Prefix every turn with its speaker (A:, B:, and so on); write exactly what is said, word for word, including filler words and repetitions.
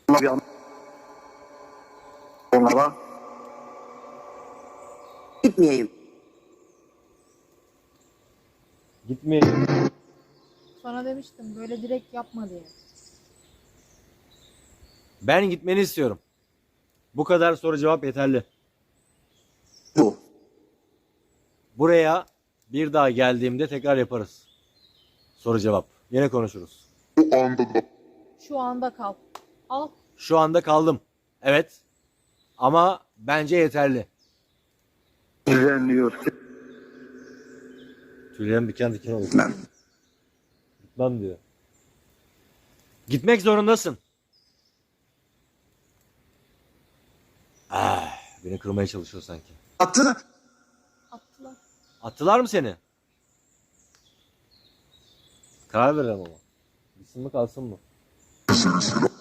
A: bir an onlara gitmeyeyim.
B: Gitmeyeyim.
C: Sana demiştim böyle direkt yapma diye.
B: Ben gitmeni istiyorum. Bu kadar soru cevap yeterli.
A: Bu.
B: Buraya bir daha geldiğimde tekrar yaparız. Soru cevap. Yine konuşuruz.
A: Bu anda da
C: Şu anda kal. Al.
B: Şu anda kaldım. Evet. Ama bence yeterli.
A: düzenliyor.
B: Tüylerim diken diken oldu.
A: Ben
B: Gitmem diyor. Gitmek zorundasın. Ah, beni kırmaya çalışıyor sanki.
A: attı.
C: Attılar.
B: Attılar mı seni? Karar verelim ama. Gitsin mi kalsın mı?